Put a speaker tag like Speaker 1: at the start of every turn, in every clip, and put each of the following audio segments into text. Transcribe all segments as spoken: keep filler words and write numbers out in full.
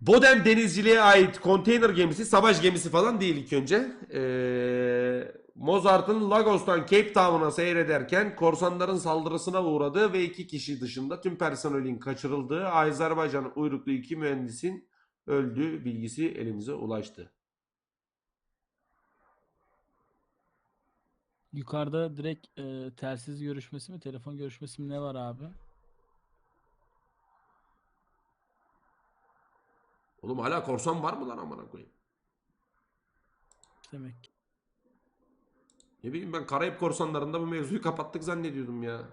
Speaker 1: Bodem denizciliğe ait konteyner gemisi, savaş gemisi falan değil ilk önce. Ee, Mozart'ın Lagos'tan Cape Town'a seyrederken korsanların saldırısına uğradığı ve iki kişi dışında tüm personelin kaçırıldığı, Azerbaycan uyruklu iki mühendisin öldüğü bilgisi elimize ulaştı.
Speaker 2: Yukarıda direkt e, telsiz görüşmesi mi, telefon görüşmesi mi ne var abi?
Speaker 1: Oğlum hala korsan var mı lan amına koyayım?
Speaker 2: Demek ki.
Speaker 1: Ne bileyim ben Karayip korsanlarında bu mevzuyu kapattık zannediyordum ya.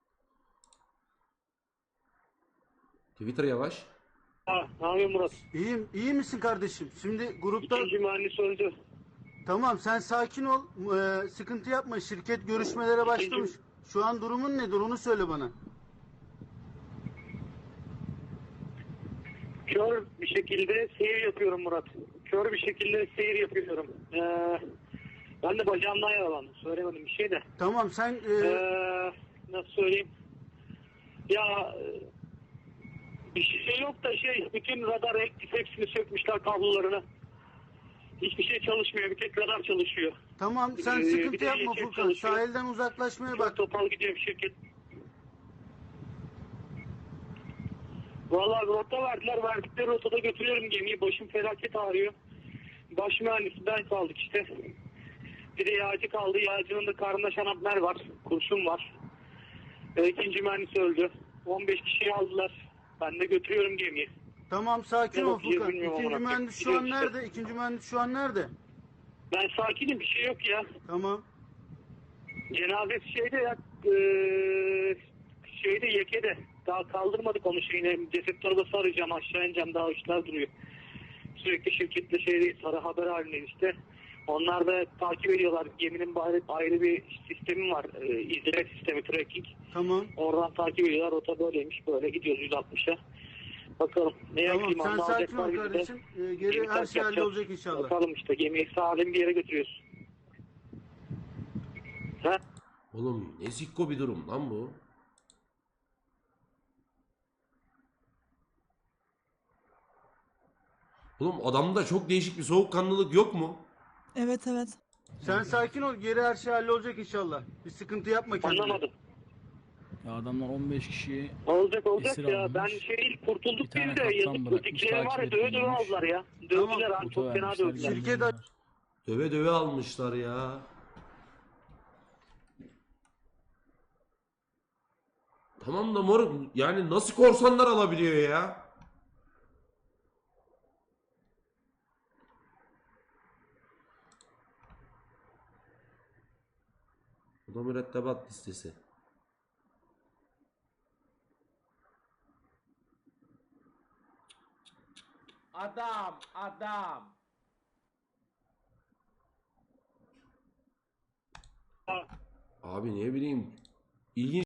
Speaker 1: Twitter yavaş.
Speaker 3: Ha, ne yapıyorsun Murat?
Speaker 4: İyiyim, iyi misin kardeşim? Şimdi grupta
Speaker 3: İkinci mühendis öldü.
Speaker 4: tamam sen sakin ol, ee, sıkıntı yapma. Şirket görüşmelere başlamış. Şu an durumun nedir onu söyle bana.
Speaker 3: Kör bir şekilde seyir yapıyorum Murat. Kör bir şekilde seyir yapıyorum. Ee, ben de bacağımdan yaralandım. Söylemedim bir şey de.
Speaker 4: Tamam sen ee,
Speaker 3: Ee, nasıl söyleyeyim? Ya bir şey yok da şey, bütün radar hepsini sökmüşler kablolarını. Hiçbir şey çalışmıyor. Bir tek radar çalışıyor.
Speaker 4: tamam sen
Speaker 3: Ee, bir
Speaker 4: sıkıntı
Speaker 3: de
Speaker 4: yapma
Speaker 3: iletişim
Speaker 4: Furkan.
Speaker 3: çalışıyor.
Speaker 4: Sahilden uzaklaşmaya
Speaker 3: Çok
Speaker 4: bak.
Speaker 3: topal gidiyor bir şirket. Vallahi rota verdiler. Verdikleri rotada götürüyorum gemiyi. Başım felaket ağrıyor. Baş mühendisi ben kaldık işte. Bir de yağcı kaldı. Yağcının da karnında şanapner var. Kurşun var. E, ikinci mühendis öldü. on beş kişiyi aldılar. Ben de götürüyorum gemiyi.
Speaker 4: Tamam sakin
Speaker 3: Ne
Speaker 4: ol
Speaker 3: bakacağız
Speaker 4: Furkan.
Speaker 3: bilmiyorum
Speaker 4: İkinci
Speaker 3: amına koyayım.
Speaker 4: mühendis şu an
Speaker 3: Gidiyoruz işte.
Speaker 4: nerede? İkinci mühendis şu an nerede?
Speaker 3: Ben sakinim, bir şey yok ya.
Speaker 4: Tamam.
Speaker 3: Cenazesi şeyde ya, e, şeyde Yeke'de. Daha kaldırmadık onu şeyine. Ceset torbası arayacağım, aşağı ineceğim, daha işler duruyor. Sürekli şirketle şeydeyiz, sarı haber halindeyiz işte. Onlar da takip ediyorlar. Geminin ayrı, ayrı bir sistemi var. E, izleme sistemi, tracking.
Speaker 4: Tamam.
Speaker 3: Oradan takip ediyorlar. Rota böyleymiş, böyle gidiyoruz yüz altmışa. Bakalım neye
Speaker 4: Tamam
Speaker 3: ekeyim,
Speaker 4: sen
Speaker 3: anda
Speaker 4: sakin
Speaker 3: alacaklar
Speaker 4: ol
Speaker 3: bizi de.
Speaker 4: kardeşim. Ee, geri
Speaker 3: Gemi
Speaker 4: her
Speaker 3: terk
Speaker 4: şey
Speaker 3: yapacağız.
Speaker 4: hallolacak inşallah.
Speaker 3: Bakalım işte, gemiyi salim bir yere götürüyoruz. Ha?
Speaker 1: Oğlum ne zikko bir durum lan bu. Oğlum adamda çok değişik bir soğukkanlılık yok mu?
Speaker 5: Evet evet.
Speaker 4: Sen sakin ol. Geri her şey hallolacak inşallah. Bir sıkıntı yapma kendine.
Speaker 3: Anlamadım.
Speaker 2: Ya adamlar on beş kişiyi
Speaker 3: Olacak olacak
Speaker 2: esir
Speaker 3: ya.
Speaker 2: almış.
Speaker 3: Ben şey
Speaker 2: Bir
Speaker 3: kurtulduk
Speaker 2: tane
Speaker 3: biz de
Speaker 2: kaptan
Speaker 3: yazık.
Speaker 2: bırakmış,
Speaker 3: Ötekileri var ya,
Speaker 2: takip
Speaker 3: döve döve
Speaker 2: etmiyormuş.
Speaker 3: aldılar ya.
Speaker 4: Tamam.
Speaker 3: Dövdüler abi,
Speaker 2: Foto
Speaker 3: çok fena
Speaker 2: vermişler.
Speaker 3: dövdüler.
Speaker 4: Şirket-
Speaker 2: göndermişler.
Speaker 1: Döve döve almışlar ya. Tamam da moruk yani nasıl korsanlar alabiliyor ya? Bu da mürettebat listesi.
Speaker 6: Adam, adam.
Speaker 1: Abi ne bileyim. İlginç